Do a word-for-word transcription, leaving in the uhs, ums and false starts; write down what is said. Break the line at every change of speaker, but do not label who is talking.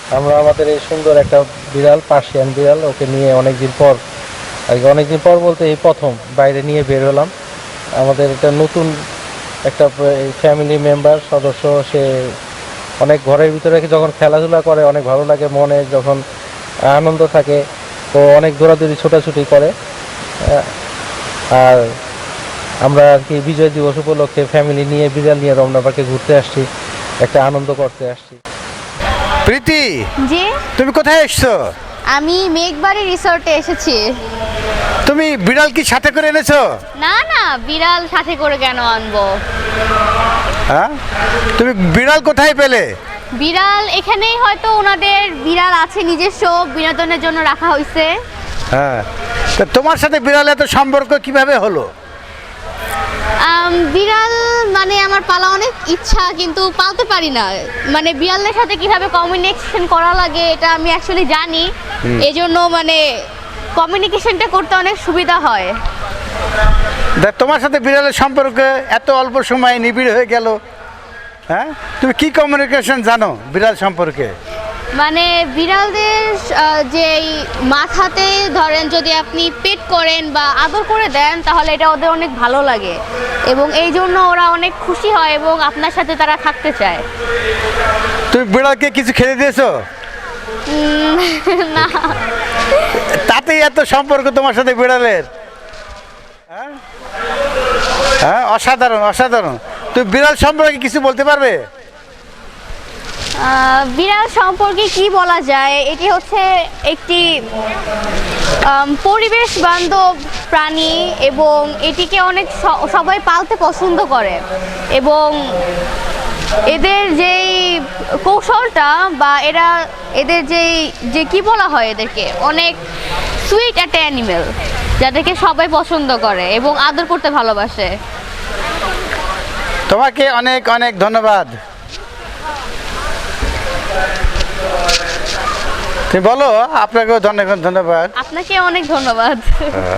আমরা আমাদের এই সুন্দর একটা বিড়াল, পার্সিয়ান বিড়াল, ওকে নিয়ে অনেকদিন পর, আর কি অনেকদিন পর বলতে এই প্রথম বাইরে নিয়ে বের হলাম। আমাদের এটা নতুন একটা ফ্যামিলি মেম্বার সদস্য। সে অনেক ঘরের ভিতরে যখন খেলাধুলা করে অনেক ভালো লাগে, মনে যখন আনন্দ থাকে ও অনেক দৌড়াদৌড়ি ছোটাছুটি করে। আহ, আর আমরা আর কি বিজয় দিবস উপলক্ষে ফ্যামিলি নিয়ে বিড়াল নিয়ে রমনা পার্কে ঘুরতে আসছি, একটা আনন্দ করতে আসছি।
প্রীতি,
জি,
তুমি কোথায় এসছো?
আমি মেঘবাড়ি রিসোর্টে এসেছি।
তুমি বিড়াল কি সাথে করে এনেছো?
না না, বিড়াল সাথে করে কেন আনবো?
হ্যাঁ, তুমি বিড়াল কোথায় পেলে?
বিড়াল এখানেই হয়তো ওনাদের বিড়াল আছে, নিজস্ব বিনোদনের জন্য রাখা হয়েছে।
হ্যাঁ, তা তোমার সাথে বিড়াল এত সম্পর্ক কিভাবে হলো?
আম, বিড়াল মানে আমার পালা অনেক ইচ্ছা, কিন্তু পালতে পারি না। মানে বিড়ালের সাথে কিভাবে কমিউনিকেশন করা লাগে এটা আমি অ্যাকচুয়ালি জানি, এই জন্য মানে কমিউনিকেশনটা করতে অনেক সুবিধা হয়।
দেখ, তোমার সাথে বিড়ালের সম্পর্ক এত অল্প সময়ে নিবিড় হয়ে গেল। হ্যাঁ, তুমি কি কমিউনিকেশন জানো বিড়াল সম্পর্কে?
মানে বিড়ালদের আহ, যেই মাথাতে ধরেন যদি আপনি পেট করেন বা আদর করে দেন তাহলে এটা ওদের অনেক ভালো লাগে, এবং এই জন্য ওরা অনেক খুশি হয় এবং আপনার সাথে তারা থাকতে চায়।
তুমি বিড়ালকে কিছু খেতে দিয়েছো?
উম, না।
তাতেই এত সম্পর্ক তোমার সাথে বিড়ালের? হ্যাঁ, হ্যাঁ, অসাধারণ অসাধারণ। তুমি বিড়াল সম্পর্কে কিছু বলতে পারবে?
আহ, বিড়াল সম্পর্কে কি বলা যায়, এটি হচ্ছে একটি আম, পরিবেশ বান্ধব প্রাণী এবং এটিকে অনেক স- সবাই পালতে পছন্দ করে, এবং এদের যেই কৌশলটা বা এরা এদের যেই যে কি বলা হয়, এদেরকে অনেক সুইট একটা অ্যানিমেল যাদেরকে সবাই পছন্দ করে এবং আদর করতে ভালোবাসে।
তোমাকে অনেক অনেক ধন্যবাদ। তুমি বলো, আপনাকেও অনেক ধন্যবাদ।
আপনাকে অনেক ধন্যবাদ।